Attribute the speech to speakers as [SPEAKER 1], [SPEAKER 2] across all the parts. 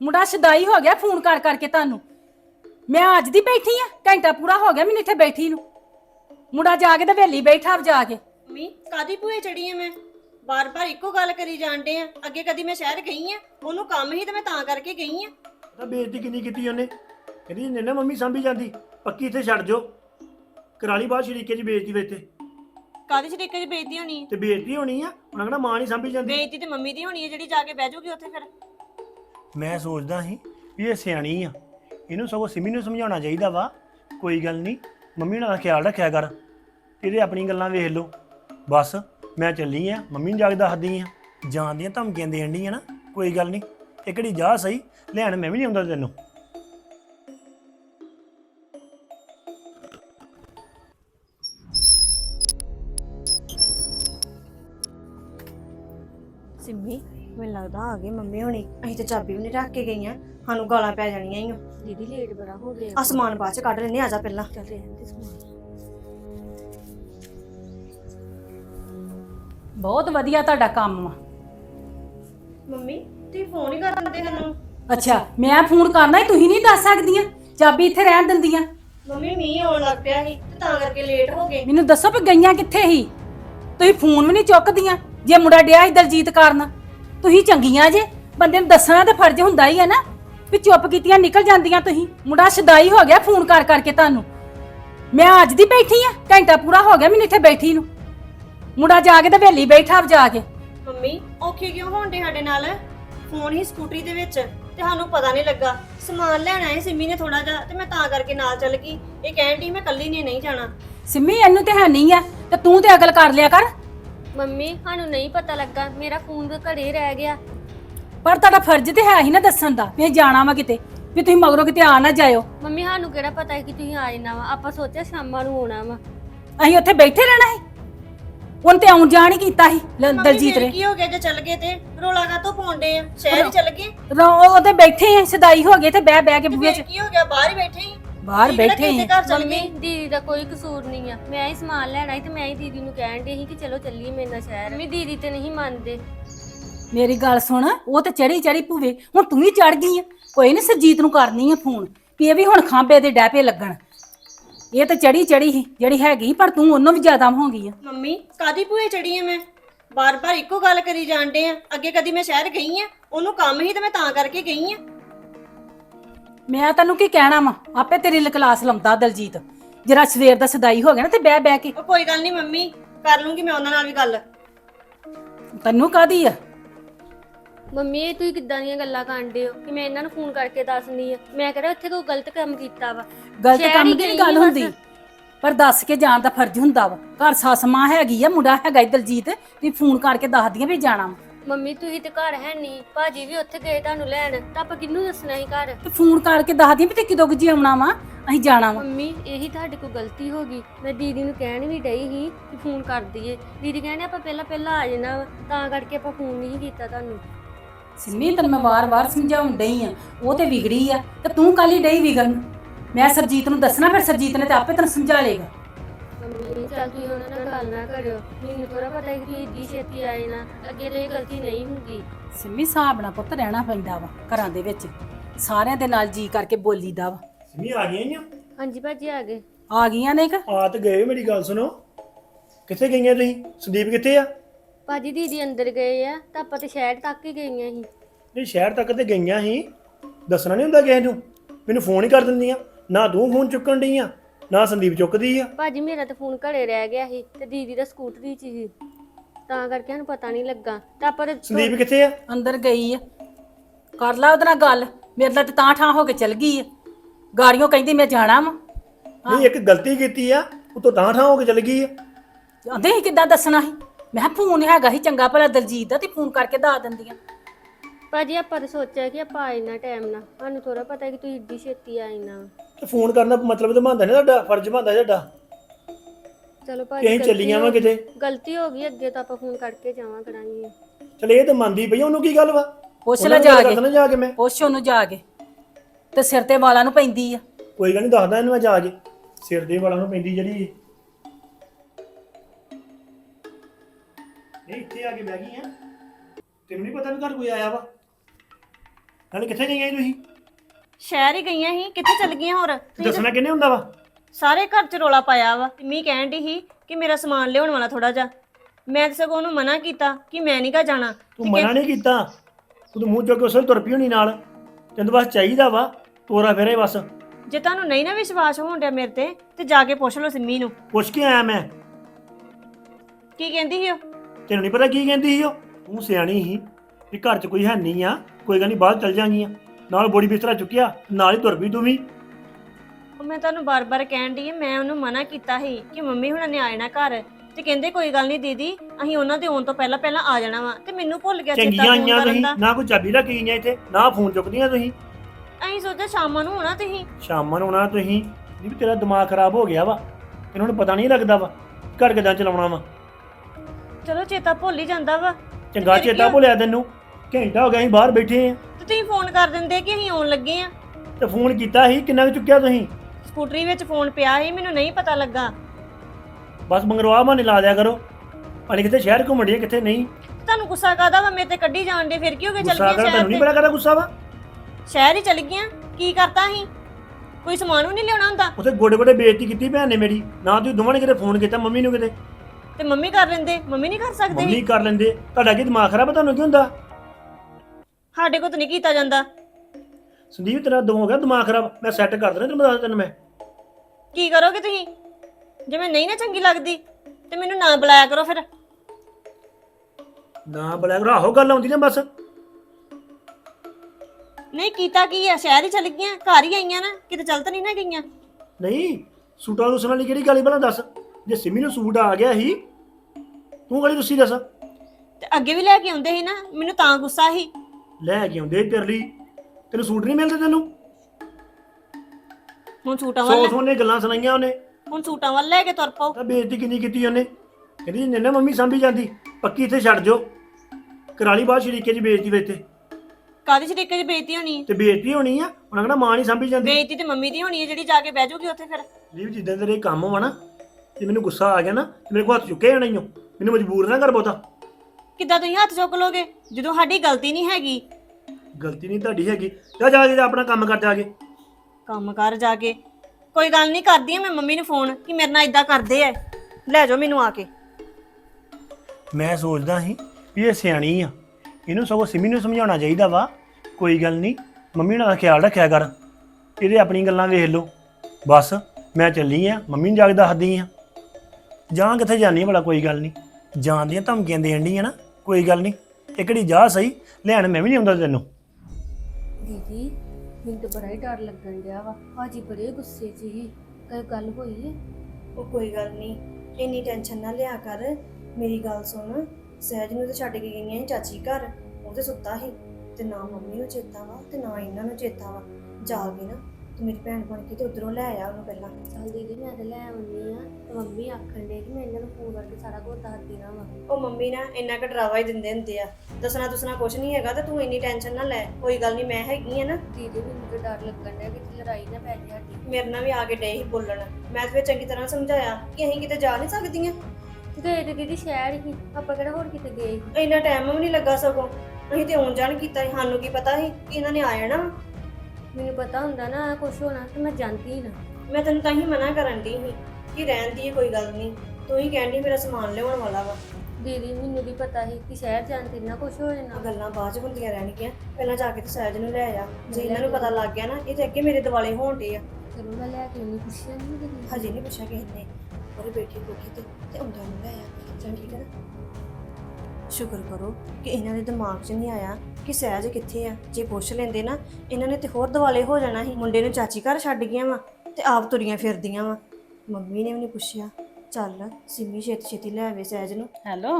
[SPEAKER 1] ਮੁੰਡਾ ਸ਼ਦਾਈ ਹੋ ਗਿਆ ਫੋਨ ਕਰ ਕਰਕੇ ਤੁਹਾਨੂੰ। ਮੈਂ ਅੱਜ ਦੀ ਬੈਠੀ ਆ, ਘੰਟਾ ਪੂਰਾ ਹੋ ਗਿਆ ਮੈਨੂੰ ਇੱਥੇ ਬੈਠੀ ਨੂੰ। ਮੁੰਡਾ ਜਾ ਕੇ ਤੇ ਵੇਲੀ ਬੈਠਾ ਜਾ ਕੇ।
[SPEAKER 2] ਮੰਮੀ ਕਾਦੀ ਭੂਏ ਚੜੀ ਆ ਮੈਂ? ਬਾਰ-ਬਾਰ ਇੱਕੋ ਗੱਲ ਕਰੀ ਜਾਂਦੇ ਆ। ਅੱਗੇ ਕਦੀ ਮੈਂ ਸ਼ਹਿਰ ਗਈ ਆ, ਉਹਨੂੰ ਕੰਮ ਹੀ ਤੇ ਮੈਂ ਤਾਂ ਕਰਕੇ ਗਈ ਆ।
[SPEAKER 3] ਤਾਂ ਬੇਇੱਜ਼ਤੀ ਕਿੰਨੀ ਕੀਤੀ ਉਹਨੇ। ਕਹਿੰਦੀ ਨੇ ਨਾ ਮੰਮੀ ਸਾਂਭੀ ਜਾਂਦੀ, ਪੱਕੀ ਇੱਥੇ ਛੱਡ ਜੋ। ਕਰਾਲੀ ਬਾਅਦ ਸ਼ਰੀਕੇ 'ਚ ਬੇਇੱਜ਼ਤੀ ਵੇ ਇੱਥੇ।
[SPEAKER 2] ਕਾਦੀ ਸ਼ਰੀਕੇ 'ਚ ਬੇਇੱਜ਼ਤੀ ਹੋਣੀ?
[SPEAKER 3] ਤੇ ਬੇਇੱਜ਼ਤੀ ਹੋਣੀ ਆ, ਉਹਨਾਂ ਕਹਿੰਦਾ ਮਾਂ ਨਹੀਂ ਸਾਂਭੀ ਜਾਂਦੀ।
[SPEAKER 2] ਬੇਇੱਜ਼ਤੀ ਤੇ ਮੰਮੀ ਦੀ ਹੋਣੀ ਹੈ ਜਿਹੜੀ ਜਾ ਕੇ ਬਹਿ ਜਾਊਗੀ ਉੱਥੇ ਫਿਰ।
[SPEAKER 3] ਮੈਂ ਸੋਚਦਾ ਸੀ ਵੀ ਇਹ ਸਿਆਣੀ ਆ, ਇਹਨੂੰ ਸਗੋਂ ਸਿਮੀ ਨੂੰ ਸਮਝਾਉਣਾ ਚਾਹੀਦਾ ਵਾ। ਕੋਈ ਗੱਲ ਨਹੀਂ, ਮੰਮੀ ਨਾਲ ਦਾ ਖਿਆਲ ਰੱਖਿਆ ਕਰ, ਇਹਦੇ ਆਪਣੀ ਗੱਲਾਂ ਵੇਖ ਲਓ। ਬਸ ਮੈਂ ਚੱਲੀ ਆ, ਮੰਮੀ ਨੂੰ ਜਾ ਕੇ ਦੱਸਦੀ ਆ। ਜਾਣ ਦੀਆਂ ਧਮਕੀਆਂ ਦੇਣ ਡੀਆਂ ਨਾ, ਕੋਈ ਗੱਲ ਨਹੀਂ, ਇੱਕ ਘੜੀ ਜਾ ਸਹੀ ਲੈਣ, ਮੈਂ ਵੀ ਨਹੀਂ ਆਉਂਦਾ ਤੈਨੂੰ।
[SPEAKER 2] ਸਿੰਮੀ ਮੈਨੂੰ ਲੱਗਦਾ ਆ ਗਈ ਮੰਮੀ ਹੋਣੀ। ਅਸੀਂ ਤੇ ਚਾਬੀ ਵੀ ਨਹੀਂ ਰੱਖ ਕੇ ਗਈਆਂ, ਸਾਨੂੰ ਗਾਲਾਂ ਪੈ ਜਾਣੀਆਂ ਹੀ।
[SPEAKER 4] ਦੀਦੀ ਲੇਟ ਬੜਾ ਹੋ ਗਿਆ।
[SPEAKER 2] ਅਸਮਾਨ ਬਾਅਦ ਚ ਕੱਢ ਲੈਨੇ, ਆ ਜਾ ਪਹਿਲਾਂ।
[SPEAKER 4] ਚੱਲ ਰਹਿੰਦੇ ਸਮਾਨ।
[SPEAKER 1] ਬਹੁਤ ਵਧੀਆ ਤੁਹਾਡਾ ਕੰਮ ਵਾ।
[SPEAKER 2] ਮੰਮੀ ਤੁਸੀਂ ਫੋਨ ਹੀ ਕਰ ਦਿੰਦੇ ਸਾਨੂੰ।
[SPEAKER 1] ਅੱਛਾ ਮੈਂ ਫੋਨ ਕਰਨਾ ਹੀ ਤੁਸੀਂ ਨਹੀਂ ਦੱਸ ਸਕਦੀਆਂ? ਚਾਬੀ ਇੱਥੇ ਰਹਿਣ ਦਿੰਦੀਆਂ।
[SPEAKER 2] ਮੰਮੀ ਮੀਂਹ ਆਉਣ ਲੱਗ ਪਿਆ ਸੀ ਤੇ ਤਾਂ ਕਰਕੇ ਲੇਟ ਹੋ ਗਏ।
[SPEAKER 1] ਮੈਨੂੰ ਦੱਸੋ ਵੀ ਗਈਆਂ ਕਿੱਥੇ ਸੀ? ਤੁਸੀਂ ਫੋਨ ਵੀ ਨਹੀਂ ਚੁੱਕਦੀਆਂ। ਜੇ ਮੁੰਡਾ ਡਿਆ ਸੀ ਦਲਜੀਤ ਕਾਰਨ, ਤੁਸੀਂ ਚੰਗੀਆਂ ਜੇ। ਬੰਦੇ ਨੂੰ ਦੱਸਣਾ ਤੇ ਫਰਜ਼ ਹੁੰਦਾ ਹੀ ਹੈ ਨਾ, ਵੀ ਚੁੱਪ ਕੀਤੀਆਂ ਨਿਕਲ ਜਾਂਦੀਆਂ ਤੁਸੀਂ। ਮੁੰਡਾ ਸ਼ਦਾਈ ਹੋ ਗਿਆ ਫੋਨ ਕਰ ਕਰਕੇ ਤੁਹਾਨੂੰ। ਮੈਂ ਅੱਜ ਦੀ ਬੈਠੀ ਆ, ਘੰਟਾ ਪੂਰਾ ਹੋ ਗਿਆ ਮੈਨੂੰ ਇੱਥੇ ਬੈਠੀ ਨੂੰ। ਮੁੰਡਾ ਜਾ ਕੇ ਤੇ ਵੇਲੀ ਬੈਠਾ ਜਾ ਕੇ।
[SPEAKER 2] ਮੰਮੀ ਔਖੇ ਕਿਉਂ ਹੋਣ ਡੇ ਸਾਡੇ ਨਾਲ? ਫੋਨ ਹੀ ਸਕੂਟਰੀ ਦੇ ਵਿੱਚ ਤੇ ਸਾਨੂੰ ਪਤਾ ਨਹੀਂ ਲੱਗਾ। ਸਮਾਨ ਲੈਣ ਆਏ ਸਿੰਮੀ ਨੇ ਥੋੜਾ ਜਿਹਾ ਤੇ ਮੈਂ ਤਾਂ ਕਰਕੇ ਨਾਲ ਚੱਲ ਗਈ। ਇਹ ਕਹਿਣ ਦੀ ਮੈਂ ਕੱਲੀ ਨੇ ਨਹੀਂ ਜਾਣਾ।
[SPEAKER 1] ਸਿੰਮੀ ਇਹਨੂੰ ਤੇ ਹੈ ਨਹੀਂ ਆ, ਤੇ ਤੂੰ ਤੇ ਅਕਲ ਕਰ ਲਿਆ ਕਰ।
[SPEAKER 4] ਮੰਮੀ ਸਾਨੂੰ ਨਹੀਂ ਪਤਾ ਲੱਗਾ, ਮੇਰਾ ਫੋਨ ਤਾਂ ਘਰੇ ਰਹਿ ਗਿਆ।
[SPEAKER 1] ਪਰ ਤੁਹਾਡਾ ਫਰਜ਼ ਤੇ ਹੈ ਹੀ ਨਾ ਦੱਸਣ ਦਾ ਵੀ ਜਾਣਾ ਵਾ ਕਿਤੇ, ਵੀ ਤੁਸੀਂ ਮਗਰੋਂ ਕਿਤੇ ਆ ਨਾ ਜਾਇਓ।
[SPEAKER 4] ਮੰਮੀ ਸਾਨੂੰ ਕਿਹੜਾ ਪਤਾ ਹੈ ਕਿ ਤੁਸੀਂ ਆ ਜਾਣਾ ਵਾ? ਆਪਾਂ ਸੋਚਿਆ ਸ਼ਾਮਾਂ ਨੂੰ ਆਉਣਾ ਵਾ।
[SPEAKER 1] ਅਸੀਂ ਉੱਥੇ ਬੈਠੇ ਰਹਿਣਾ ਸੀ? ਉਹਨੇ ਤੇ ਆਉਣ ਜਾਣ ਹੀ ਕੀਤਾ ਸੀ ਦਲਜੀਤ
[SPEAKER 2] ਫਿਰ
[SPEAKER 1] ਨੇ।
[SPEAKER 2] ਕੀ ਹੋ ਗਿਆ ਜੇ ਚੱਲ ਗਏ ਤੇ? ਰੋਲਾ ਕਾਤੋਂ ਪਾਉਂਦੇ ਆ? ਸ਼ਹਿਰ ਹੀ ਚੱਲ ਗਏ।
[SPEAKER 1] ਉਹਦੇ ਬੈਠੇ ਆ ਸਦਾਈ ਹੋ ਗਏ ਤੇ ਬਹਿ ਬਹਿ ਕੇ ਬੂਹੇ
[SPEAKER 2] ਫਿਰ
[SPEAKER 1] 'ਚ
[SPEAKER 2] ਕੀ ਹੋ ਗਿਆ? ਬਾਹਰ ਹੀ ਬੈਠੇ ਹੀ।
[SPEAKER 1] ਬਾਹਰ ਬੈਠੇ ਆ।
[SPEAKER 2] ਘਰ ਚੱਲ
[SPEAKER 4] ਮੰਮੀ
[SPEAKER 2] ਗਏ।
[SPEAKER 4] ਦੀਦੀ ਦਾ ਕੋਈ ਕਸੂਰ ਨਹੀਂ ਆ। ਮੈਂ ਹੀ ਸਮਾਨ ਲੈਣਾ ਸੀ ਤੇ ਮੈਂ ਹੀ ਦੀਦੀ ਨੂੰ ਕਹਿਣ ਡਈ ਸੀ ਕਿ ਚਲੋ ਚੱਲੀਏ ਮੇਰੇ ਨਾਲ ਸ਼ਹਿਰ। ਮੰਮੀ ਦੀਦੀ ਤੇ ਨਹੀਂ ਮੰਨਦੇ।
[SPEAKER 1] ਮੇਰੀ ਗੱਲ ਸੁਣ, ਉਹ ਤੇ ਚੜੀ ਚੜੀ ਭੂਵੇ, ਹੁਣ ਤੂੰ ਵੀ ਚੜ ਗਈ ਆ। ਕੋਈ ਨਹੀਂ ਸਰਜੀਤ ਨੂੰ ਕਰਨੀ ਆ ਫੋਨ ਵੀ ਇਹ ਵੀ ਹੁਣ ਖਾਂਬੇ ਦੇ ਡੈਪੇ ਲੱਗਣ। ਇਹ ਤਾਂ ਚੜੀ ਚੜੀ ਸੀ ਜਿਹੜੀ ਹੈਗੀ, ਪਰ ਤੂੰ ਉਹਨੋਂ ਵੀ ਜ਼ਿਆਦਾ ਹੋ ਗਈ ਆ।
[SPEAKER 2] ਮੰਮੀ ਕਾਦੀ ਭੂਏ ਚੜੀ ਆ ਮੈਂ? ਬਾਰ-ਬਾਰ ਇੱਕੋ ਗੱਲ ਕਰੀ ਜਾਂਦੇ ਆ। ਅੱਗੇ ਕਦੀ ਮੈਂ ਸ਼ਹਿਰ ਗਈ ਆ, ਉਹਨੂੰ ਕੰਮ ਹੀ ਤੇ ਮੈਂ ਤਾਂ ਕਰਕੇ ਗਈ ਆ।
[SPEAKER 1] ਮੈਂ ਤੈਨੂੰ ਕੀ ਕਹਿਣਾ ਵਾ, ਆਪੇ ਤੇਰੀ ਕਲਾਸ ਲਾਉਂਦਾ ਦਲਜੀਤ। ਜਰਾ ਸਵੇਰ ਦਾ ਸਦਾਈ ਹੋ ਗਿਆ ਨਾ ਤੇ ਬਹਿ ਬਹਿ ਕੇ।
[SPEAKER 2] ਉਹ ਕੋਈ ਗੱਲ ਨਹੀਂ ਮੰਮੀ, ਕਰ ਲੂੰਗੀ ਮੈਂ ਉਹਨਾਂ ਨਾਲ ਵੀ ਗੱਲ।
[SPEAKER 1] ਤੈਨੂੰ ਕਾਦੀ ਆ?
[SPEAKER 4] ਮੰਮੀ ਇਹ ਤੁਸੀਂ ਕਿੱਦਾਂ ਦੀਆਂ ਗੱਲਾਂ ਕਰਦੇ ਹੋ ਕਿ ਮੈਂ ਇਹਨਾਂ ਨੂੰ ਫੋਨ ਕਰਕੇ ਦੱਸਣੀ ਆ? ਮੈਂ ਕਿਹੜਾ ਉੱਥੇ ਕੋਈ ਗਲਤ ਕੰਮ ਕੀਤਾ ਵਾ?
[SPEAKER 1] ਗਲਤ
[SPEAKER 4] ਸ਼ਹਿਰ
[SPEAKER 1] ਕੰਮ
[SPEAKER 4] ਹੀ
[SPEAKER 1] ਦੀ
[SPEAKER 4] ਗਈ
[SPEAKER 1] ਗੱਲ
[SPEAKER 4] ਬਸ।
[SPEAKER 1] ਹੁੰਦੀ, ਪਰ ਦੱਸ ਕੇ ਜਾਣ ਦਾ ਫਰਜ਼ ਹੁੰਦਾ ਵਾ। ਘਰ ਸੱਸ ਮਾਂ ਹੈਗੀ ਆ, ਮੁੰਡਾ ਹੈਗਾ ਦਲਜੀਤ, ਤੁਸੀਂ ਫੋਨ ਕਰਕੇ ਦੱਸਦੀਆਂ ਵੀ ਜਾਣਾ ਵਾ।
[SPEAKER 4] ਮੰਮੀ ਤੁਸੀਂ ਤੇ ਘਰ ਹੈ ਨਹੀਂ, ਭਾਜੀ ਵੀ ਉੱਥੇ ਗਏ ਤੁਹਾਨੂੰ ਲੈਣ, ਤਾਂ ਆਪਾਂ ਕਿਹਨੂੰ ਦੱਸਣਾ ਸੀ ਘਰ?
[SPEAKER 1] ਤੇ ਫੋਨ ਕਰਕੇ ਦੱਸਦੀਆਂ ਵੀ ਤੇ ਕਿਦੋਂ ਕੁ ਜੀ ਆਉਣਾ ਵਾ, ਅਸੀਂ ਜਾਣਾ ਵਾ।
[SPEAKER 4] ਮੰਮੀ ਇਹੀ ਤੁਹਾਡੇ ਕੋਲ ਗਲਤੀ ਹੋ ਗਈ। ਮੈਂ ਦੀਦੀ ਨੂੰ ਕਹਿਣ ਵੀ ਡਈ ਸੀ ਕਿ ਫੋਨ ਕਰ ਦਈਏ। ਦੀਦੀ ਕਹਿੰਦੇ ਆਪਾਂ ਪਹਿਲਾਂ ਆ ਜਾਣਾ ਵਾ, ਤਾਂ ਕਰਕੇ ਆਪਾਂ ਫੋਨ ਨਹੀਂ ਕੀਤਾ ਤੁਹਾਨੂੰ।
[SPEAKER 1] ਸਿੰਮੀ ਤੈਨੂੰ ਮੈਂ ਵਾਰ-ਵਾਰ ਸਮਝਾਉਣ ਡਈ ਆ, ਉਹ ਤੇ ਵਿਗੜੀ ਆ ਤੇ ਤੂੰ ਕੱਲ ਹੀ ਡਈ ਵਿਗੜਨ। ਮੈਂ ਸਰਜੀਤ ਨੂੰ ਦੱਸਣਾ, ਫਿਰ ਸਰਜੀਤ ਨੇ ਤੇ ਆਪੇ ਤੈਨੂੰ ਸਮਝਾ ਲੇਗਾ।
[SPEAKER 4] ਮੰਮੀ ਚੱਲ ਤੁਸੀਂ ਉਹਨਾਂ ਨਾਲ ਗੱਲ ਨਾ ਕਰਿਓ। ਮੈਨੂੰ ਥੋੜਾ ਪਤਾ ਹੈ ਕਿ ਇੱਡੀ ਛੇਤੀ ਆਏ ਨਾ, ਅੱਗੇ ਤੋਂ ਇਹ ਗਲਤੀ ਨਹੀਂ ਹੁੰਦੀ।
[SPEAKER 1] ਸਿੰਮੀ ਹਿਸਾਬ ਨਾਲ ਪੁੱਤ ਰਹਿਣਾ ਪੈਂਦਾ ਵਾ ਘਰਾਂ ਦੇ ਵਿੱਚ, ਸਾਰਿਆਂ ਦੇ ਨਾਲ ਜੀ ਕਰਕੇ ਬੋਲੀਦਾ ਵਾ।
[SPEAKER 3] ਸਿਮੀ ਆ ਗਈਆਂ ਆਂ?
[SPEAKER 4] ਹਾਂਜੀ ਭਾਜੀ ਆ ਗਏ।
[SPEAKER 1] ਆ ਗਈਆਂ ਨੇ ਕਿ
[SPEAKER 3] ਆ ਤੇ ਗਏ। ਮੇਰੀ ਗੱਲ ਸੁਣੋ, ਕਿੱਥੇ ਗਈਆਂ ਤੁਸੀਂ? ਸੰਦੀਪ ਕਿੱਥੇ ਆ?
[SPEAKER 4] ਭਾਜੀ ਦੀਦੀ ਅੰਦਰ ਗਏ ਆ, ਤਾਂ ਆਪਾਂ ਤੇ ਸ਼ਹਿਰ ਤੱਕ ਹੀ ਗਈਆਂ ਸੀ।
[SPEAKER 3] ਨਹੀਂ ਸ਼ਹਿਰ ਤੱਕ ਤੇ ਗਈਆਂ ਸੀ, ਦੱਸਣਾ ਨਹੀਂ ਹੁੰਦਾ ਕਿਸੇ ਨੂੰ? ਮੈਨੂੰ ਫੋਨ ਹੀ ਕਰ ਦਿੰਦੀਆਂ। ਨਾ ਤੂੰ ਫੋਨ ਚੁੱਕਣ ਡਈ ਆ, ਨਾ ਸੰਦੀਪ ਚੁੱਕਦੀ ਆ।
[SPEAKER 4] ਭਾਜੀ ਮੇਰਾ ਤਾਂ ਫੋਨ ਘਰੇ ਰਹਿ ਗਿਆ ਸੀ ਤੇ ਦੀਦੀ ਦਾ ਸਕੂਟਰੀ 'ਚ ਸੀ, ਤਾਂ ਕਰਕੇ ਸਾਨੂੰ ਪਤਾ ਨਹੀਂ ਲੱਗਾ। ਤਾਂ ਆਪਾਂ ਤੇ
[SPEAKER 3] ਸੰਦੀਪ ਕਿੱਥੇ ਆ?
[SPEAKER 1] ਅੰਦਰ ਗਈ ਆ। ਕਰ ਲਾ ਉਹਦੇ ਨਾਲ ਗੱਲ, ਮੇਰੇ ਨਾਲ ਤੇ ਤਾਂ ਠਾਂ ਹੋ ਕੇ ਚਲ ਗਈ ਆ। ਗਾੜੀਆਂ ਕਹਿੰਦੀ ਮੈਂ ਜਾਣਾ ਵਾ।
[SPEAKER 3] ਨਹੀਂ ਇੱਕ ਗਲਤੀ ਕੀਤੀ ਆ, ਉਤੋਂ ਤਾਂ ਠਾਂ ਹੋ ਕੇ ਚਲ ਗਈ ਆ।
[SPEAKER 1] ਆਂਦੇ ਸੀ ਕਿੱਦਾਂ ਦੱਸਣਾ ਸੀ? ਮੈਂ ਕਿਹਾ ਫੋਨ ਹੈਗਾ ਸੀ ਚੰਗਾ ਭਲਾ ਦਲਜੀਤ ਦਾ, ਤੇ ਫੋਨ ਕਰਕੇ ਦੱਸ ਦਿੰਦੀਆਂ।
[SPEAKER 4] ਭਾਜੀ ਆਪਾਂ ਤਾਂ ਸੋਚਿਆ ਕਿ ਆਪਾਂ ਆ ਜਾਣਾ ਟਾਈਮ ਨਾਲ, ਸਾਨੂੰ ਥੋੜਾ ਪਤਾ ਕਿ ਤੁਸੀਂ ਇੱਡੀ ਛੇਤੀ ਆ ਜਾਣਾ।
[SPEAKER 3] ਤੇ ਫੋਨ ਕਰਨ ਦਾ ਮਤਲਬ ਤਾਂ ਬਣਦਾ ਨਹੀਂ ਤੁਹਾਡਾ, ਫਰਜ਼ ਬਣਦਾ ਤੁਹਾਡਾ।
[SPEAKER 4] ਚਲੋ
[SPEAKER 3] ਕਿ
[SPEAKER 4] ਭਾਜੀ
[SPEAKER 3] ਅਸੀਂ ਚੱਲੀਆਂ ਵਾ ਕਿਤੇ।
[SPEAKER 4] ਗਲਤੀ ਹੋ ਗਈ, ਅੱਗੇ ਤਾਂ ਆਪਾਂ ਫੋਨ ਕਰਕੇ ਜਾਵਾਂ ਕਰਾਂਗੇ।
[SPEAKER 3] ਚਲ ਇਹ ਤਾਂ ਮੰਨਦੀ ਪਈ, ਉਹਨੂੰ ਕੀ ਗੱਲ ਵਾ?
[SPEAKER 1] ਪੁੱਛ
[SPEAKER 3] ਉਹਨਾਂ
[SPEAKER 1] ਲੈ
[SPEAKER 3] ਨੂੰ
[SPEAKER 1] ਜਾ
[SPEAKER 3] ਗੱਲ
[SPEAKER 1] ਕੇ,
[SPEAKER 3] ਕਰ ਦੇਣਾ ਜਾ ਕੇ ਮੈਂ।
[SPEAKER 1] ਪੁੱਛ ਉਹਨੂੰ ਜਾ ਕੇ, ਤੇ ਸਿਰ ਤੇ ਵਾਲਾਂ ਨੂੰ ਪੈਂਦੀ ਆ।
[SPEAKER 3] ਕੋਈ ਗੱਲ ਨਹੀਂ, ਦੱਸਦਾ ਇਹਨੂੰ ਮੈਂ ਜਾ ਕੇ। ਸਿਰ ਦੇ ਵਾਲਾਂ ਨੂੰ ਪੈਂਦੀ ਜਿਹੜੀ। ਨਹੀਂ ਇੱਥੇ ਆ ਕੇ ਬਹਿ ਗਈ ਆ, ਤੈਨੂੰ ਨਹੀਂ ਪਤਾ ਵੀ ਘਰ ਕੋਈ ਆਇਆ ਵਾ? ਨਾਲੇ ਕਿੱਥੇ ਗਈਆਂ ਸੀ ਤੁਸੀਂ?
[SPEAKER 2] ਸ਼ਹਿਰ ਹੀ ਗਈਆਂ ਸੀ, ਕਿੱਥੇ ਚੱਲ ਗਈਆਂ ਹੋਰ? ਤੁਸੀਂ
[SPEAKER 3] ਦੱਸਣਾ ਕਿੰਨੇ ਹੁੰਦਾ ਵਾ?
[SPEAKER 2] ਸਾਰੇ ਘਰ 'ਚ ਰੋਲਾ ਪਾਇਆ ਵਾ। ਮੰਮੀ ਕਹਿਣ ਡਈ ਸੀ ਕਿ ਮੇਰਾ ਸਮਾਨ ਲਿਆਉਣ ਵਾਲਾ ਥੋੜਾ ਜਿਹਾ। ਮੈਂ ਤਾਂ ਸਗੋਂ ਉਹਨੂੰ ਮਨਾ ਕੀਤਾ ਕਿ ਮੈਂ ਨਹੀਂ ਗਾ ਜਾਣਾ।
[SPEAKER 3] ਤੂੰ ਮਨਾ ਨਹੀਂ ਕੀਤਾ, ਤੂੰ ਤਾਂ ਮੂੰਹ ਚੁੱਕ ਕੇ ਉਸੇ ਵੇਲੇ ਤੁਰ ਪਈ ਹੋਣੀ ਨਾਲ। ਤੈਨੂੰ ਬਸ ਚਾਹੀਦਾ ਵਾ ਤੋਰਾ ਫੇਰੇ ਬਸ।
[SPEAKER 2] ਜੇ ਤੁਹਾਨੂੰ ਨਹੀਂ ਨਾ ਵਿਸ਼ਵਾਸ ਹੋਣ ਡਿਆ ਮੇਰੇ ਤੇ ਜਾ ਕੇ ਪੁੱਛ ਲਓ ਸਿੰਮੀ ਨੂੰ।
[SPEAKER 3] ਪੁੱਛ ਕੇ ਆਇਆ ਮੈਂ।
[SPEAKER 2] ਕੀ ਕਹਿੰਦੀ ਸੀ ਉਹ?
[SPEAKER 3] ਤੈਨੂੰ ਨਹੀਂ ਪਤਾ ਕੀ ਕਹਿੰਦੀ ਸੀ ਉਹ? ਤੂੰ ਸਿਆਣੀ ਸੀ ਵੀ ਘਰ 'ਚ ਕੋਈ ਹੈ ਨਹੀਂ ਆ, ਕੋਈ ਗੱਲ ਨਹੀਂ ਬਾਹਰ ਚੱਲ ਜਾਗੀਆਂ। ਨਾਲ ਬੋੜੀ ਬਿਸਤਰਾ ਚੁੱਕਿਆ, ਨਾਲ ਹੀ ਤੁਰ ਪਈ ਤੂੰ ਵੀ।
[SPEAKER 2] ਉਹ ਮੈਂ ਤੁਹਾਨੂੰ ਬਾਰ-ਬਾਰ ਕਹਿਣ ਡਈ ਆ, ਮੈਂ ਉਹਨੂੰ ਮਨਾ ਕੀਤਾ ਸੀ ਕਿ ਮੰਮੀ ਹੁਣਾਂ ਨੇ ਆ ਜਾਣਾ ਘਰ ਤੇ ਕਹਿੰਦੇ ਕੋਈ ਗੱਲ ਨਹੀਂ ਦੀਦੀ, ਅਸੀਂ ਉਹਨਾਂ ਦੇ ਆਉਣ ਤੋਂ ਪਹਿਲਾਂ ਆ ਜਾਣਾ ਵਾ। ਤੇ ਮੈਨੂੰ ਭੁੱਲ ਗਿਆ ਚੇਤਾ
[SPEAKER 3] ਚੰਗੀਆਂ
[SPEAKER 2] ਫੋਨ
[SPEAKER 3] ਆਈਆਂ
[SPEAKER 2] ਕਰਨ
[SPEAKER 3] ਤੁਸੀਂ,
[SPEAKER 2] ਦਾ।
[SPEAKER 3] ਨਾ ਕੋਈ ਚਾਬੀ ਰੱਖ ਗਈਆਂ ਇੱਥੇ, ਨਾ ਫੋਨ ਚੁੱਕਦੀਆਂ ਤੁਸੀਂ।
[SPEAKER 2] ਅਸੀਂ ਸੋਚਿਆ ਸ਼ਾਮਾਂ ਨੂੰ ਹੋਣਾ ਤੁਸੀਂ।
[SPEAKER 3] ਸ਼ਾਮਾਂ ਨੂੰ ਆਉਣਾ ਤੁਸੀਂ। ਨਹੀਂ ਵੀ ਤੇਰਾ ਦਿਮਾਗ ਖਰਾਬ ਹੋ ਗਿਆ ਵਾ, ਤੈਨੂੰ ਹੁਣ ਪਤਾ ਨਹੀਂ ਲੱਗਦਾ ਵਾ ਘਰ ਕਿੱਦਾਂ ਚਲਾਉਣਾ ਵਾ।
[SPEAKER 2] ਚਲੋ ਚੇਤਾ ਭੁੱਲ ਹੀ ਜਾਂਦਾ ਵਾ।
[SPEAKER 3] ਚੰਗਾ
[SPEAKER 2] ਫਿਰ ਕੀ
[SPEAKER 3] ਚੇਤਾ
[SPEAKER 2] ਆ?
[SPEAKER 3] ਭੁੱਲਿਆ ਤੈਨੂੰ? ਘੰਟਾ ਹੋ ਗਿਆ ਅਸੀਂ ਬਾਹਰ ਬੈਠੇ ਆ
[SPEAKER 2] ਤੇ ਤੁਸੀਂ ਫੋਨ ਕਰ ਦਿੰਦੇ ਕਿ ਅਸੀਂ ਆਉਣ ਲੱਗੇ ਆ।
[SPEAKER 3] ਤੇ ਫੋਨ ਕੀਤਾ ਸੀ, ਕਿੰਨਾ ਕੁ ਚੁੱਕਿਆ ਤੁਸੀਂ?
[SPEAKER 2] ਸਕੂਟਰੀ ਵਿੱਚ ਫੋਨ ਪਿਆ ਸੀ, ਮੈਨੂੰ ਨਹੀਂ ਪਤਾ ਲੱਗਾ।
[SPEAKER 3] ਬਸ ਮੰਗਰਵਾ ਮਾਨੇ ਲਾ ਦਿਆ ਕਰੋ। ਅਲੇ ਕਿਤੇ ਸ਼ਹਿਰ ਘੁੰਮਣ ਡਈ ਆ, ਕਿੱਥੇ ਨਹੀਂ।
[SPEAKER 2] ਤੁਹਾਨੂੰ ਗੁੱਸਾ ਕਾਹਦਾ ਵਾ? ਮੇਰੇ ਤੇ ਕੱਢੀ ਜਾਣ ਦੇ, ਫਿਰ ਕੀ ਹੋ ਗਿਆ? ਚੱਲ
[SPEAKER 3] ਗੁੱਸਾ
[SPEAKER 2] ਗਈਆਂ
[SPEAKER 3] ਕਰ,
[SPEAKER 2] ਸ਼ਹਿਰ
[SPEAKER 3] ਤੈਨੂੰ ਨਹੀਂ
[SPEAKER 2] ਤੇ।
[SPEAKER 3] ਪਤਾ ਕਰਦਾ ਗੁੱਸਾ ਵਾ?
[SPEAKER 2] ਸ਼ਹਿਰ ਹੀ ਚੱਲ ਗਈਆਂ, ਕੀ ਕਰਤਾ ਸੀ? ਕੋਈ ਸਮਾਨ ਵੀ ਨਹੀਂ ਲਿਆਉਣਾ ਹੁੰਦਾ
[SPEAKER 3] ਉੱਥੇ ਗੋਡੇ ਗੋਡੇ ਬੇਇੱਜ਼ਤੀ ਕੀਤੀ ਭੈਣ ਨੇ ਮੇਰੀ। ਨਾ ਤੁਸੀਂ ਦੋਵਾਂ ਨੇ ਕਿਤੇ ਫੋਨ ਕੀਤਾ ਮੰਮੀ ਨੂੰ ਕਿਤੇ।
[SPEAKER 2] ਤੇ ਮੰਮੀ ਕਰ ਲੈਂਦੇ, ਮੰਮੀ ਨਹੀਂ ਕਰ ਸਕਦੇ?
[SPEAKER 3] ਮੰਮੀ ਕਰ ਲੈਂਦੇ। ਤੁਹਾਡਾ ਕੀ ਦਿਮਾਗ ਖਰਾਬ ਆ? ਤੁਹਾਨੂੰ ਕੀ ਹੁੰਦਾ?
[SPEAKER 2] ਸਾਡੇ ਕੋਲ ਤਾਂ ਨਹੀਂ ਕੀਤਾ ਜਾਂਦਾ।
[SPEAKER 3] ਸੰਦੀਪ ਤੇਰਾ ਹੋ ਗਿਆ ਦਿਮਾਗ ਖਰਾਬ। ਮੈਂ ਸੈੱਟ ਕਰ ਦੇਣਾ, ਤੈਨੂੰ ਦੱਸ ਤੈਨੂੰ ਮੈਂ।
[SPEAKER 2] ਕੀ ਕਰੋਗੇ ਤੁਸੀਂ? ਜੇ ਮੈਂ ਨਹੀਂ ਨਾ ਚੰਗੀ ਲੱਗਦੀ ਤੇ ਮੈਨੂੰ ਨਾ ਬੁਲਾਇਆ ਕਰੋ ਫਿਰ।
[SPEAKER 3] ਨਾ ਬੁਲਾਇਆ ਕਰੋ, ਆਹੋ ਗੱਲ ਆਉਂਦੀ ਨਾ ਬਸ।
[SPEAKER 2] ਨਹੀਂ ਕੀਤਾ ਕੀ ਆ? ਸ਼ਹਿਰ ਹੀ ਚੱਲ ਗਈਆਂ, ਘਰ ਹੀ ਆਈਆਂ ਨਾ, ਕਿਤੇ ਚੱਲ ਤਾਂ ਨਹੀਂ ਨਾ ਗਈਆਂ।
[SPEAKER 3] ਨਹੀਂ ਸੂਟਾਂ ਲੂਸਣ ਵਾਲੀ ਕਿਹੜੀ ਗੱਲ ਭਲਾ ਦੱਸ। ਜੇ ਸਿਮੀ ਨੂੰ ਸੂਟ ਆ ਗਿਆ ਸੀ, ਤੂੰ ਗਲੀ ਤੁਸੀਂ ਦੱਸ।
[SPEAKER 2] ਤੇ ਅੱਗੇ ਵੀ ਲੈ ਕੇ ਆਉਂਦੇ ਸੀ ਨਾ, ਮੈਨੂੰ ਤਾਂ ਗੁੱਸਾ ਸੀ।
[SPEAKER 3] ਲੈ ਕੇ ਆਉਂਦੇ ਤੇਰੇ ਲਈ। ਤੈਨੂੰ ਸੂਟ ਨਹੀਂ ਮਿਲਦੇ ਤੈਨੂੰ?
[SPEAKER 2] ਹੁਣ ਸੂਟਾਂ
[SPEAKER 3] ਸੌ
[SPEAKER 2] ਵੱਲ
[SPEAKER 3] ਸੌ ਨੇ ਗੱਲਾਂ ਸੁਣਾਈਆਂ ਉਹਨੇ।
[SPEAKER 2] ਹੁਣ ਸੂਟਾਂ ਵੱਲ ਲੈ ਕੇ ਤੁਰ ਪਾਓ।
[SPEAKER 3] ਤਾਂ ਬੇਇੱਜ਼ਤੀ ਕਿੰਨੀ ਕੀਤੀ ਉਹਨੇ। ਕਹਿੰਦੀ ਜੇ ਨਾ ਮੰਮੀ ਸਾਂਭੀ ਜਾਂਦੀ, ਪੱਕੀ ਇੱਥੇ ਛੱਡ ਜੋ। ਕਰਾਲੀ ਬਾਹਰ ਸ਼ਰੀਕੇ 'ਚ ਬੇਇੱਜ਼ਤੀ ਵੇ ਇੱਥੇ।
[SPEAKER 2] ਕਾਹਦੀ ਸ਼ਰੀਕੇ 'ਚ ਬੇਇੱਜ਼ਤੀ ਹੋਣੀ?
[SPEAKER 3] ਤੇ ਬੇਇੱਜ਼ਤੀ ਹੋਣੀ ਆ। ਉਹਨਾਂ ਕਹਿੰਦਾ ਮਾਂ ਨਹੀਂ ਸਾਂਭੀ ਜਾਂਦੀ।
[SPEAKER 2] ਬੇਇੱਜ਼ਤੀ ਤੇ ਮੰਮੀ ਦੀ ਹੋਣੀ ਹੈ ਜਿਹੜੀ ਜਾ ਕੇ ਬਹਿ ਜਾਊਗੀ ਉੱਥੇ ਫਿਰ।
[SPEAKER 3] ਜੀ ਜਿੱਦਾਂ ਤੇਰੇ ਕੰਮ ਵਾ ਨਾ, ਤੇ ਮੈਨੂੰ ਗੁੱਸਾ ਆ ਗਿਆ ਨਾ, ਤੇ ਮੇਰੇ ਕੋਲ ਹੱਥ ਚੁੱਕੇ ਜਾਣਾ ਹੀ ਓ। ਮੈਨੂੰ ਮਜਬੂਰ ਨਾ ਕਰ ਬਹੁਤਾ।
[SPEAKER 2] ਕਿੱਦਾਂ ਤੁਸੀਂ ਹੱਥ ਚੁੱਕ ਲੋਗੇ ਜਦੋਂ ਸਾਡੀ ਗਲਤੀ ਨਹੀਂ ਹੈਗੀ?
[SPEAKER 3] ਗਲਤੀ ਨਹੀਂ ਤੁਹਾਡੀ ਹੈਗੀ। ਜਾ ਕੇ ਆਪਣਾ ਕੰਮ ਕਰ ਜਾ ਕੇ।
[SPEAKER 2] ਕੰਮ ਕਰ ਜਾ ਕੇ। ਕੋਈ ਗੱਲ ਨਹੀਂ, ਕਰਦੀ ਆ ਮੈਂ ਮੰਮੀ ਨੂੰ ਫੋਨ ਕਿ ਮੇਰੇ ਨਾਲ ਇਦਾਂ ਕਰਦੇ ਆ, ਲੈ ਜਾਓ ਮੈਨੂੰ ਆ ਕੇ।
[SPEAKER 3] ਮੈਂ ਸੋਚਦਾ ਸੀ ਵੀ ਇਹ ਸਿਆਣੀ ਆ, ਇਹਨੂੰ ਸਗੋਂ ਸਿਮੀ ਨੂੰ ਸਮਝਾਉਣਾ ਚਾਹੀਦਾ ਵਾ। ਕੋਈ ਗੱਲ ਨਹੀਂ, ਮੰਮੀ ਉਹਨਾਂ ਦਾ ਖਿਆਲ ਰੱਖਿਆ ਕਰ। ਇਹਦੇ ਆਪਣੀ ਗੱਲਾਂ ਵੇਖ ਲਓ। ਬਸ ਮੈਂ ਚੱਲੀ ਆ, ਮੰਮੀ ਨੂੰ ਜਾ ਕੇ ਦੱਸਦੀ ਆ। ਜਾਂ ਕਿੱਥੇ ਜਾਣੀ ਭਲਾ? ਕੋਈ ਗੱਲ ਨਹੀਂ, ਜਾਣ ਦੀਆਂ ਧਮਕੀਆਂ ਦੇਣ ਡੀਆਂ ਨਾ, ਕੋਈ ਗੱਲ ਨਹੀਂ। ਇਕੜੀ ਜਾ ਸਹੀ, ਲੈਣ ਮੈਂ ਵੀ ਨਹੀਂ ਆਉਂਦਾ ਤੈਨੂੰ।
[SPEAKER 4] ਦੀਦੀ ਮੈਨੂੰ ਤਾਂ ਬੜਾ ਹੀ ਡਰ ਲੱਗਣ ਡਿਆ ਵਾ। ਭਾਜੀ ਬੜੇ ਗੁੱਸੇ 'ਚ ਸੀ। ਕੋਈ ਗੱਲ ਹੋਈ ਹੈ?
[SPEAKER 2] ਉਹ ਕੋਈ ਗੱਲ ਨਹੀਂ, ਇੰਨੀ ਟੈਨਸ਼ਨ ਨਾ ਲਿਆ ਕਰ। ਮੇਰੀ ਗੱਲ ਸੁਣ, ਸਹਿਜ ਨੂੰ ਤਾਂ ਛੱਡ ਕੇ ਗਈਆਂ ਸੀ ਚਾਚੀ ਘਰ, ਉਹ ਤੇ ਸੁੱਤਾ ਸੀ। ਤੇ ਨਾ ਮੰਮੀ ਨੂੰ ਚੇਤਾ ਵਾ ਤੇ ਨਾ ਇਹਨਾਂ ਨੂੰ ਚੇਤਾ ਵਾ। ਜਾ ਕੇ ਨਾ ਤੂੰ ਮੇਰੀ ਭੈਣ ਬਣ ਕੇ ਤੇ ਉਧਰੋਂ ਲੈ ਆ ਉਹਨੂੰ ਪਹਿਲਾਂ।
[SPEAKER 4] ਚੱਲ ਦੀਦੀ ਮੈਂ ਤਾਂ ਲੈ ਆਉਣੀ ਆ। ਤੇ ਮੰਮੀ ਆਖਣ ਡੇ ਕਿ ਮੈਂ ਇਹਨਾਂ ਨੂੰ ਫੋਨ ਕਰਕੇ ਸਾਰਾ ਕੁਝ ਦੱਸ ਦੇਣਾ ਵਾ।
[SPEAKER 2] ਉਹ ਮੰਮੀ ਨਾ ਇੰਨਾ ਕੁ ਡਰਾਵਾ ਹੀ ਦਿੰਦੇ ਹੁੰਦੇ ਆ। ਦੱਸਣਾ ਕੁਝ ਨਹੀਂ ਹੈਗਾ ਤੇ ਤੂੰ ਇੰਨੀ ਟੈਨਸ਼ਨ ਨਾ ਲੈ। ਕੋਈ ਗੱਲ ਨਹੀਂ, ਮੈਂ ਹੈਗੀ ਆ ਨਾ।
[SPEAKER 4] ਦੀਦੀ ਮੈਨੂੰ ਤਾਂ ਡਰ ਲੱਗਣ ਡਿਆ ਕਿ ਲੜਾਈ ਨਾ ਪੈ ਜਾਏ ਸਾਡੀ।
[SPEAKER 2] ਮੇਰੇ ਨਾਲ ਵੀ ਆ ਕੇ ਡੇ ਹੀ ਬੋਲਣ। ਮੈਂ ਤੇ ਫਿਰ ਚੰਗੀ ਤਰ੍ਹਾਂ ਸਮਝਾਇਆ ਕਿ ਅਸੀਂ ਕਿਤੇ ਜਾ ਨਹੀਂ ਸਕਦੀਆਂ।
[SPEAKER 4] ਗਏ ਤੇ ਦੀਦੀ ਸ਼ਹਿਰ ਹੀ, ਆਪਾਂ ਕਿਹੜਾ ਹੋਰ ਕਿਤੇ ਗਏ ਸੀ।
[SPEAKER 2] ਇੰਨਾ ਟਾਈਮ ਵੀ ਨਹੀਂ ਲੱਗਾ, ਸਗੋਂ ਅਸੀਂ ਤੇ ਆਉਣ ਜਾਣ ਕੀਤਾ ਸੀ। ਸਾਨੂੰ ਕੀ ਪਤਾ ਸੀ ਕਿ ਇਹਨਾਂ ਨੇ ਆ ਜਾਣਾ।
[SPEAKER 4] ਮੈਨੂੰ ਪਤਾ ਹੁੰਦਾ ਨਾ ਕੁਛ ਹੋਣਾ ਤੇ ਮੈਂ ਜਾਂਦੀ ਹੀ ਨਾ।
[SPEAKER 2] ਮੈਂ ਤੈਨੂੰ ਤਾਂ ਹੀ ਮਨਾ ਕਰਨ ਦੀ ਸੀ ਕਿ ਰਹਿਣ ਦੀ ਕੋਈ ਗੱਲ ਨਹੀਂ। ਤੂੰ ਹੀ ਕਹਿੰਦੀ ਮੇਰਾ ਸਮਾਨ ਲਿਆਉਣ ਵਾਲਾ ਵਾ।
[SPEAKER 4] ਦੀਦੀ ਮੈਨੂੰ ਵੀ ਪਤਾ ਸੀ ਕਿ ਸ਼ਹਿਰ ਜਾਣ ਤੇ ਨਾ ਕੁਛ ਹੋ ਜਾਣਾ।
[SPEAKER 2] ਗੱਲਾਂ ਬਾਅਦ ਚ ਹੁੰਦੀਆਂ ਰਹਿਣਗੀਆਂ, ਪਹਿਲਾਂ ਜਾ ਕੇ ਤੇ ਸਹਿਜ ਨੂੰ ਲੈ ਆ। ਜੇ ਇਹਨਾਂ ਨੂੰ ਪਤਾ ਲੱਗ ਗਿਆ ਨਾ, ਇਹ ਤੇ ਅੱਗੇ ਮੇਰੇ ਦਿਵਾਲੇ ਹੋਣ ਡੇ ਆ।
[SPEAKER 4] ਚਲੋ ਮੈਂ ਲੈ ਕੇ ਨਹੀਂ ਪੁੱਛਿਆ ਨਹੀਂ ਦੀਦੀ।
[SPEAKER 2] ਹਜੇ ਨਹੀਂ ਪੁੱਛਿਆ ਕਿਸੇ ਨੇ। ਉਹਦੇ ਬੈਠੀ ਕੋਠੀ ਤੇ ਆਉਂਦਾ ਨੂੰ ਲੈ ਆ। ਚੱਲ ਠੀਕ ਹੈ ਨਾ। ਸ਼ੁਕਰ ਕਰੋ ਕਿ ਇਹਨਾਂ ਦੇ ਦਿਮਾਗ 'ਚ ਨਹੀਂ ਆਇਆ ਕਿ ਸਹਿਜ ਕਿੱਥੇ ਆ। ਜੇ ਪੁੱਛ ਲੈਂਦੇ ਨਾ, ਇਹਨਾਂ ਨੇ ਤੇ ਹੋਰ ਦਿਵਾਲੇ ਹੋ ਜਾਣਾ ਸੀ। ਮੁੰਡੇ ਨੂੰ ਚਾਚੀ ਘਰ ਛੱਡ ਗਈਆਂ ਵਾ ਤੇ ਆਪ ਤੁਰੀਆਂ ਫਿਰਦੀਆਂ ਵਾ। ਮੰਮੀ ਨੇ ਵੀ ਨਹੀਂ ਪੁੱਛਿਆ। ਚੱਲ ਸਿੰਮੀ ਛੇਤੀ ਲੈ ਆਵੇ ਸਹਿਜ ਨੂੰ।
[SPEAKER 1] ਹੈਲੋ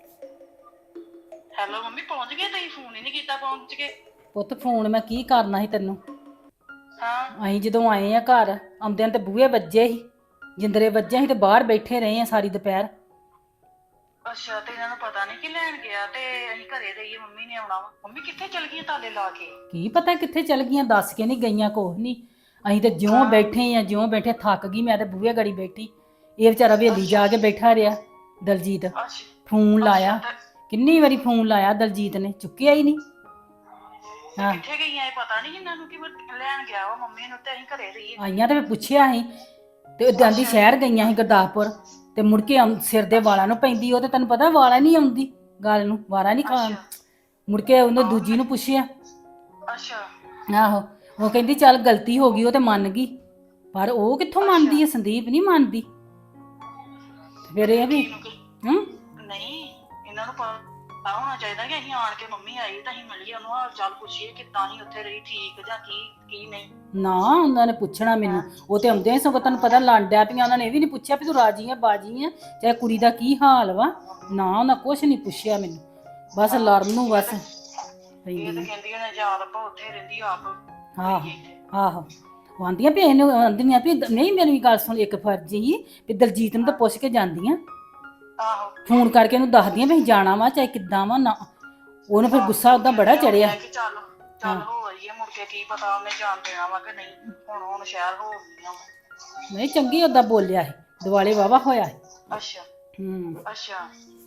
[SPEAKER 5] ਮੰਮੀ ਪਹੁੰਚ ਗਏ? ਤੁਸੀਂ ਫੋਨ ਹੀ ਨਹੀਂ ਕੀਤਾ ਪਹੁੰਚ ਕੇ।
[SPEAKER 1] ਪੁੱਤ ਫੋਨ ਮੈਂ ਕੀ ਕਰਨਾ ਸੀ ਤੈਨੂੰ।
[SPEAKER 5] ਹਾਂ
[SPEAKER 1] ਅਸੀਂ ਜਦੋਂ ਆਏ ਆ ਘਰ, ਆਉਂਦਿਆਂ ਤੇ ਬੂਹੇ ਵੱਜੇ ਸੀ, ਜਿੰਦਰੇ ਵੱਜੇ ਸੀ ਤੇ ਬਾਹਰ ਬੈਠੇ ਰਹੇ ਆ ਸਾਰੀ ਦੁਪਹਿਰ।
[SPEAKER 5] ਅੱਛਾ, ਤੇ ਇਹਨਾਂ ਨੂੰ ਪਤਾ ਨਹੀਂ ਕਿ ਲੈਣ ਗਿਆ ਤੇ ਅਸੀਂ ਘਰੇ ਰਹੀਏ, ਮੰਮੀ ਨੇ ਆਉਣਾ ਵਾ। ਮੰਮੀ ਕਿੱਥੇ ਚਲ ਗਈ ਤਾਲੇ ਲਾ ਕੇ?
[SPEAKER 1] ਕੀ ਪਤਾ ਕਿੱਥੇ ਚਲ ਗਈਆਂ, ਦੱਸ ਕੇ ਨਹੀਂ ਗਈਆਂ। ਕੁਛ ਨਹੀਂ, ਅਸੀਂ ਤੇ ਜਿਉਂ ਬੈਠੇ ਆ, ਜਿਉਂ ਬੈਠੇ ਥੱਕ ਗਈ ਮੈਂ ਤੇ ਬੂਹੇ ਗੜੀ ਬੈਠੀ। ਇਹ ਵਿਚਾਰਾ ਹਵੇਲੀ ਜਾ ਕੇ ਬੈਠਾ ਰਿਹਾ ਦਲਜੀਤ। ਫੋਨ ਲਾਇਆ, ਕਿੰਨੀ ਵਾਰੀ ਫੋਨ ਲਾਇਆ ਦਲਜੀਤ ਨੇ, ਚੁੱਕਿਆ ਹੀ ਨਹੀਂ। ਹਾਂ।
[SPEAKER 5] ਕਿੱਥੇ ਗਈਆਂ ਇਹ ਪਤਾ ਨਹੀਂ ਇਹਨਾਂ ਨੂੰ ਕਿ ਮੈਂ ਲੈਣ ਗਿਆ ਵਾ ਮੰਮੀ ਨੂੰ ਤੇ ਅਸੀਂ ਘਰੇ ਰਹੀਏ।
[SPEAKER 1] ਆਈਆਂ ਤੇ ਮੈਂ ਪੁੱਛਿਆ ਸੀ ਤੇ ਉਹ ਜਾਂਦੀ ਸ਼ਹਿਰ ਗਈਆਂ ਸੀ ਗੁਰਦਾਸਪੁਰ ਤੇ ਮੁੜ ਕੇ ਸਿਰ ਦੇ ਵਾਲਾਂ ਨੂੰ ਪੈਂਦੀ, ਉਹ ਤੇ ਤੈਨੂੰ ਪਤਾ ਵਾਲਾਂ ਨਹੀਂ ਆਉਂਦੀ ਗੱਲ ਨੂੰ, ਵਾਰਾਂ ਨਹੀਂ ਖਾਣ। ਮੁੜ ਕੇ ਉਹਨੇ ਦੂਜੀ ਨੂੰ ਪੁੱਛਿਆ,
[SPEAKER 5] ਅੱਛਾ
[SPEAKER 1] ਆਹੋ ਉਹ ਕਹਿੰਦੀ ਚੱਲ ਗਲਤੀ ਹੋ ਗਈ, ਉਹ ਤੇ ਮੰਨ ਗਈ, ਪਰ ਉਹ ਕਿੱਥੋਂ ਮੰਨਦੀ ਹੈ, ਸੰਦੀਪ ਨਹੀਂ ਮੰਨਦੀ। ਫਿਰ ਇਹ ਵੀ ਹੂੰ
[SPEAKER 5] ਨਹੀਂ ਇਹਨਾਂ ਨੂੰ ਪਤਾ ਹੋਣਾ ਚਾਹੀਦਾ ਕਿ ਅਸੀਂ ਆਣ ਕੇ ਮੰਮੀ ਆਈ ਤਾਂ ਅਸੀਂ ਮਿਲੀਏ ਉਹਨੂੰ, ਹਾਲ ਚਾਲ ਪੁੱਛੀਏ ਕਿੱਦਾਂ ਹੀ ਉੱਥੇ ਰਹੀ, ਠੀਕ ਜਾਂ ਕੀ ਨਹੀਂ।
[SPEAKER 1] ਨਾ ਉਹਨਾਂ ਨੇ ਪੁੱਛਣਾ ਮੈਨੂੰ, ਉਹ ਤੇ ਆਉਂਦੇ ਸਗੋਂ ਤੈਨੂੰ ਪਤਾ ਲੰਡਿਆ ਪਈਆਂ, ਉਹਨਾਂ ਨੇ ਇਹ ਵੀ ਨਹੀਂ ਪੁੱਛਿਆ ਵੀ ਤੂੰ ਰਾਜੀ ਆ ਬਾਜੀ ਆ ਚਾਹੇ ਕੁੜੀ ਦਾ ਕੀ ਹਾਲ ਵਾ, ਨਾ ਉਹਨਾਂ ਕੁਛ ਨਹੀਂ ਪੁੱਛਿਆ ਮੈਨੂੰ, ਬਸ ਲੜਨ ਨੂੰ ਬਸ
[SPEAKER 5] ਇਹ
[SPEAKER 1] ਪੈਂਦੀ
[SPEAKER 5] ਤਾਂ ਕਹਿੰਦੀ ਉਹਨੇ ਯਾਦ ਆਪਾਂ ਉੱਥੇ ਰਹਿੰਦੀ ਆਪ।
[SPEAKER 1] ਆਹੋ ਆਹੋ ਉਹ ਆਂਦੀਆਂ ਵੀ ਇਹਨੂੰ ਆਂਦੀਆਂ ਵੀ ਨਹੀਂ, ਮੇਰੀ ਵੀ ਗੱਲ ਸੁਣ, ਇੱਕ ਫਰਜ਼ ਹੀ ਵੀ ਦਲਜੀਤ ਨੂੰ ਤਾਂ ਪੁੱਛ ਕੇ ਜਾਂਦੀਆਂ,
[SPEAKER 5] ਆਹੋ
[SPEAKER 1] ਫੋਨ ਕਰਕੇ ਉਹਨੂੰ ਦੱਸਦੀਆਂ ਵੀ ਅਸੀਂ ਜਾਣਾ ਵਾ ਚਾਹੇ ਕਿੱਦਾਂ ਵਾ, ਨਾ ਉਹਨੂੰ ਫਿਰ ਗੁੱਸਾ ਉਹਦਾ ਬੜਾ ਚੜਿਆ।
[SPEAKER 5] ਕਿ ਚੱਲ ਹੋ ਆਈਏ, ਮੁੜ ਕੇ ਕੀ ਪਤਾ ਉਹਨੇ ਜਾਣ ਦੇਣਾ ਵਾ ਕਿ ਨਹੀਂ, ਹੁਣ ਸ਼ਹਿਰ ਹੋ ਗਈਆਂ।
[SPEAKER 1] ਨਹੀਂ ਚੰਗੀ ਓਦਾਂ ਬੋਲਿਆ ਸੀ, ਦਿਵਾਲੇ ਵਾਵਾ ਹੋਇਆ ਸੀ।
[SPEAKER 5] ਅੱਛਾ ਅੱਛਾ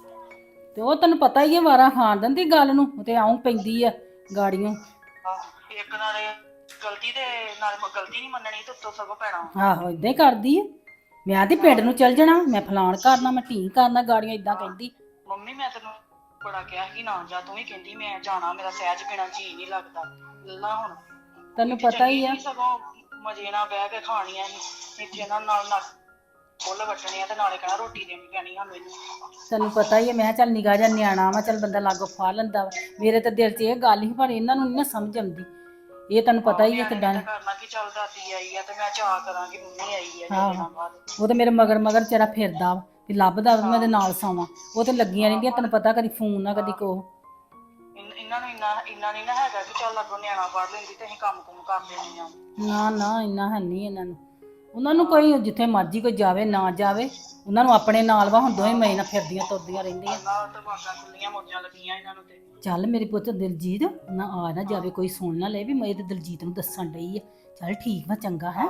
[SPEAKER 1] ਤੇ ਉਹ ਤੈਨੂੰ ਪਤਾ ਹੀ ਹੈ ਵਾਰਾਂ ਖਾਣ ਦਿੰਦੀ ਗੱਲ ਨੂੰ, ਉਹ ਤੇ ਆਉਂ ਪੈਂਦੀ ਆ ਗਾੜੀਆਂ।
[SPEAKER 5] ਇੱਕ ਨਾਲੇ ਗਲਤੀ ਦੇ ਨਾਲ ਗਲਤੀ ਨਹੀਂ ਮੰਨਣੀ ਤੇ ਉੱਤੋਂ ਸਗੋਂ ਪੈਣਾ।
[SPEAKER 1] ਆਹੋ ਇਦਾਂ ਹੀ ਕਰਦੀ ਆ, ਮੈਂ ਤੇ ਪਿੰਡ ਨੂੰ ਚੱਲ ਜਾਣਾ, ਮੈਂ ਫਲਾਣ ਕਰਨਾ, ਮੈਂ ਢੀਂ ਕਰਨਾ, ਗਾੜੀਆਂ ਇਦਾਂ ਕਹਿੰਦੀ।
[SPEAKER 5] ਮੰਮੀ ਮੈਂ ਤੈਨੂੰ ਬੜਾ ਕਿਹਾ ਕਿ ਨਾ ਜਾ, ਤੂੰ ਵੀ ਕਹਿੰਦੀ ਮੈਂ ਜਾਣਾ, ਮੇਰਾ ਸਹਿਜ ਬਿਨਾ ਜੀ ਨਹੀਂ ਲੱਗਦਾ। ਲੱਲਾ ਹੁਣ
[SPEAKER 1] ਤੈਨੂੰ ਪਤਾ ਹੀ ਆ,
[SPEAKER 5] ਸਗੋਂ ਮਜੇ ਨਾਲ ਬਹਿ ਕੇ ਖਾਣੀਆਂ ਸੀ ਇੱਥੇ, ਇਹਨਾਂ ਨਾਲ ਫੁੱਲ ਵੱਟਣੀਆਂ ਤੇ ਨਾਲੇ ਕਹਿਣਾ ਰੋਟੀ ਦੇਣੀ ਪੈਣੀ ਆ ਮੈਨੂੰ।
[SPEAKER 1] ਤੈਨੂੰ ਪਤਾ ਹੀ ਆ, ਮੈਂ ਚੱਲ ਨਿਗਾਹ ਜਿਹਾ ਨਿਆਣਾ ਵਾ, ਚੱਲ ਬੰਦਾ ਲਾਗੋ ਫਾ ਲੈਂਦਾ ਵਾ, ਮੇਰੇ ਤਾਂ ਦਿਲ 'ਚ ਇਹ ਗੱਲ ਹੀ, ਪਰ ਇਹਨਾਂ ਨੂੰ ਨਹੀਂ ਨਾ ਸਮਝ ਆਉਂਦੀ, ਇਹ ਤੈਨੂੰ ਪਤਾ ਹੀ ਆ ਕਿੱਦਾਂ।
[SPEAKER 5] ਕਰਨਾ ਕਿ ਚੱਲ ਦਾਦੀ ਆਈ ਆ ਤੇ ਮੈਂ ਚਾਹ ਕਰਾਂਗੀ ਮੰਮੀ ਆਈ ਆ
[SPEAKER 1] ਆਹੋ।
[SPEAKER 5] ਦਿਨਾਂ ਬਾਅਦ।
[SPEAKER 1] ਉਹ ਤੇ ਮੇਰੇ ਮਗਰ ਮਗਰ ਚਿਹਰਾ ਫਿਰਦਾ ਵਾ ਵੀ ਲੱਭਦਾ ਵਾ ਮੈਂ ਇਹਦੇ ਨਾਲ ਸੌਵਾਂ, ਉਹ ਤੇ ਲੱਗੀਆਂ ਰਹਿੰਦੀਆਂ, ਤੈਨੂੰ ਪਤਾ ਕਦੀ ਫੋਨ ਨਾ ਕਦੀ ਕੋ।
[SPEAKER 5] ਇਹਨਾਂ ਨੂੰ ਇੰਨਾ ਨਹੀਂ ਨਾ ਹੈਗਾ ਕਿ ਚੱਲ ਅੱਗੋਂ ਨਿਆਣਾ ਪੜ ਲੈਂਦੀ ਤੇ ਅਸੀਂ ਕੰਮ ਕੁਮ ਕਰ ਲੈਣੀ ਆ।
[SPEAKER 1] ਨਾ ਇੰਨਾ ਹੈ ਨਹੀਂ ਇਹਨਾਂ ਨੂੰ, ਉਹਨਾਂ ਨੂੰ ਕੋਈ ਜਿੱਥੇ ਮਰਜ਼ੀ ਕੋਈ ਜਾਵੇ ਨਾ ਜਾਵੇ, ਉਹਨਾਂ ਨੂੰ ਆਪਣੇ ਨਾਲ ਵਾ, ਹੁਣ ਦੋਵੇਂ ਮਈ ਨਾਲ ਫਿਰਦੀਆਂ ਤੁਰਦੀਆਂ ਰਹਿੰਦੀਆਂ।
[SPEAKER 5] ਨਾਲ ਤਾਂ ਬਾਗਾਂ ਖੁੱਲੀਆਂ ਮੋਜਾਂ ਲੱਗੀਆਂ ਇਹਨਾਂ ਨੂੰ ਤੇ।
[SPEAKER 1] ਚੱਲ ਮੇਰੀ ਪੁੱਤ ਦਿਲਜੀਤ ਨਾ ਆ ਨਾ ਜਾਵੇ, ਕੋਈ ਸੁਣ ਨਾ ਲੈ ਵੀ ਮੈਂ ਤੇ ਦਿਲਜੀਤ ਨੂੰ ਦੱਸਣ ਡਈ ਆ, ਚੱਲ ਠੀਕ ਵਾ ਚੰਗਾ ਹੈ।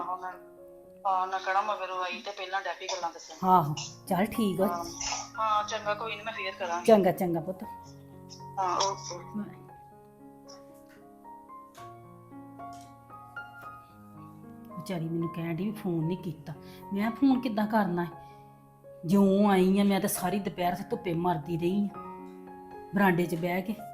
[SPEAKER 5] ਨਾ ਕਹਣਾ ਮਗਰੋਂ ਆਈ ਤੇ ਪਹਿਲਾਂ ਡੈਪੀ ਗੱਲਾਂ ਦੱਸਣ।
[SPEAKER 1] ਆਹੋ ਚੱਲ ਠੀਕ ਆ,
[SPEAKER 5] ਹਾਂ ਚੰਗਾ, ਕੋਈ ਨਹੀਂ ਮੈਂ ਫੇਰ ਕਰਾਂਗੀ।
[SPEAKER 1] ਚੰਗਾ ਚੰਗਾ ਪੁੱਤ।
[SPEAKER 5] ਹਾਂ ਓਕੇ।
[SPEAKER 1] ਵਿਚਾਰੀ ਮੈਨੂੰ ਕਹਿਣ ਡਈ ਵੀ ਫੋਨ ਨਹੀਂ ਕੀਤਾ, ਮੈਂ ਫੋਨ ਕਿੱਦਾਂ ਕਰਨਾ ਹੈ, ਜਿਉਂ ਆਈ ਆ ਮੈਂ ਤਾਂ ਸਾਰੀ ਦੁਪਹਿਰ ਧੁੱਪੇ ਮਰਦੀ ਰਹੀ ਆ ਬਰਾਂਡੇ 'ਚ ਬਹਿ ਕੇ।